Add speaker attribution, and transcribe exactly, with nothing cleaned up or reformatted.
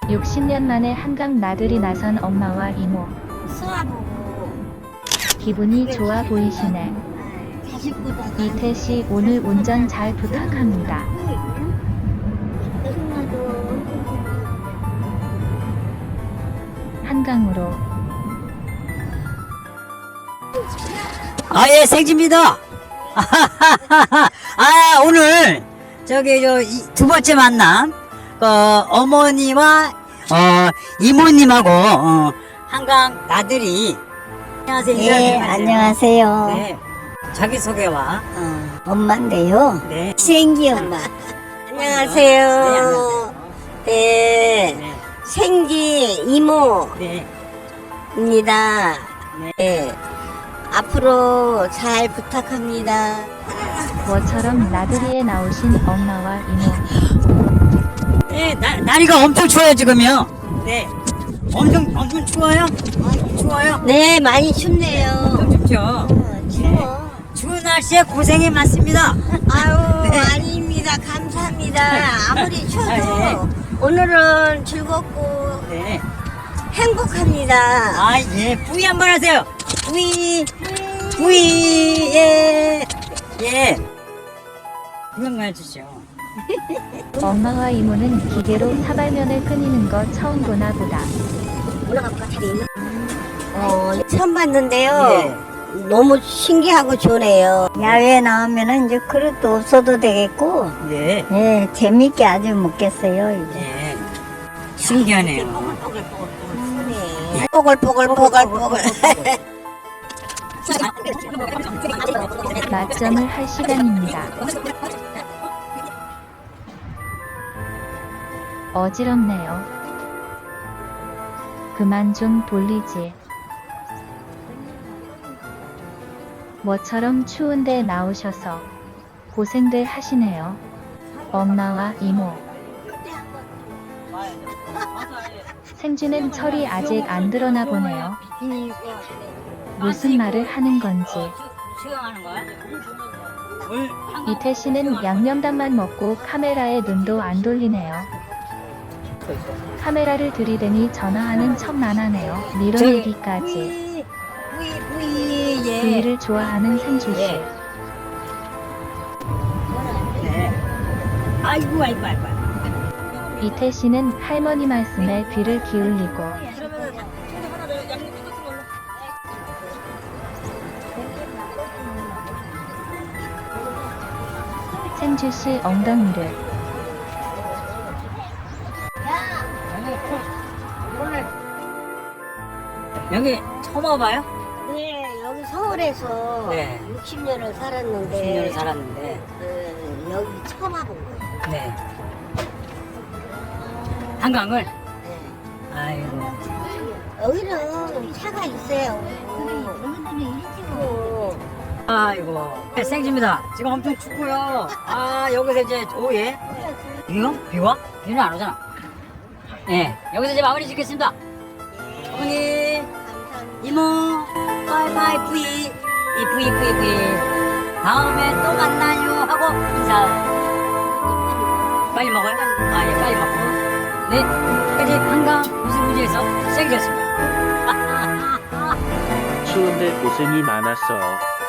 Speaker 1: 육십 년 만에 한강 나들이 나선 엄마와 이모.
Speaker 2: 수아보고
Speaker 1: 기분이 좋아 보이시네.
Speaker 2: 자식보다
Speaker 1: 이태씨 오늘 운전 잘 부탁합니다. 한강으로.
Speaker 3: 아, 예, 생지입니다. 아, 오늘, 저기, 저, 두 번째 만남, 그, 어머니와, 어, 이모님하고, 어, 한강 나들이. 안녕하세요.
Speaker 2: 네,
Speaker 3: 인사드리세요.
Speaker 2: 안녕하세요.
Speaker 3: 네. 자기소개와,
Speaker 2: 어, 엄마인데요.
Speaker 3: 네.
Speaker 2: 생기 엄마. 안녕하세요.
Speaker 3: 네, 안녕하세요.
Speaker 2: 네,
Speaker 3: 네.
Speaker 2: 생기 이모입니다.
Speaker 3: 네.
Speaker 2: 네. 앞으로 잘 부탁합니다.
Speaker 1: 뭐처럼 나들이에 나오신 엄마와 이모.
Speaker 3: 네, 날, 날이가 엄청 추워요, 지금요. 네. 엄청, 엄청 추워요? 추워요?
Speaker 2: 네, 많이 춥네요.
Speaker 3: 엄청 춥죠?
Speaker 2: 어, 추워.
Speaker 3: 추운 날씨에 고생이 많습니다.
Speaker 2: 아유,
Speaker 3: 네.
Speaker 2: 아닙니다. 감사합니다. 아무리 추워도
Speaker 3: 아, 예.
Speaker 2: 오늘은 즐겁고
Speaker 3: 네.
Speaker 2: 행복합니다.
Speaker 3: 아, 예. 부위 한번 하세요. 부위. 부위. 예. 예. 구경만 해주시오.
Speaker 1: 엄마와 이모는 기계로 사발면을 끓이는 거 처음 보나 보다.
Speaker 2: 올라갈까? 자리 있나? 어, 처음 봤는데요.
Speaker 3: 예.
Speaker 2: 너무 신기하고 좋네요. 야외에 나오면은 이제 그릇도 없어도 되겠고,
Speaker 3: 예.
Speaker 2: 예, 재밌게 아주 먹겠어요, 이제.
Speaker 3: 예. 신기하네요.
Speaker 2: 뽀글뽀글뽀글뽀글.
Speaker 1: 맞점을 할 시간입니다. 어지럽네요. 그만 좀 돌리지. 뭐처럼 추운데 나오셔서 고생들 하시네요. 엄마와 이모. 생쥐는 철이 아직 안 들어나 보네요. 무슨 말을 하는 건지.
Speaker 3: 수영하는 거야?
Speaker 1: 이태 씨는 양념단만 먹고 카메라에 눈도 안 돌리네요. 카메라를 들이대니 전화하는 척만하네요. 밀어내기까지.
Speaker 3: 부위, 부위, 예.
Speaker 1: 부위를 좋아하는 생쥐 씨.
Speaker 3: 예. 네. 아이고, 아이고, 아이고.
Speaker 1: 이태 씨는 할머니 말씀에 귀를 기울이고 생쥐 씨 엉덩이를
Speaker 3: 여기 처음 와봐요?
Speaker 2: 네, 여기 서울에서
Speaker 3: 네.
Speaker 2: 육십 년을 살았는데,
Speaker 3: 십 년을 살았는데.
Speaker 2: 어, 여기 처음 와본 거예요.
Speaker 3: 네. 한강을?
Speaker 2: 네.
Speaker 3: 아이고.
Speaker 2: 여기는 차가 있어요. 여기는 일찍고.
Speaker 3: 아이고. 네, 생지입니다. 지금 엄청 춥고요. 아, 여기서 이제, 오, 예. 비요? 비와? 비는 안 오잖아. 예. 여기서 이제 마무리 짓겠습니다. 어머니, 이모, 바이바이, 뿌이. 이 뿌이, 뿌이, 뿌이. 다음에 또 만나요. 하고 인사. 빨리 먹어요? 아, 예, 빨리 먹고. 네. 여기까지 한강 무수무지에서 생겼습니다.
Speaker 4: 추운데 고생이 많았어요.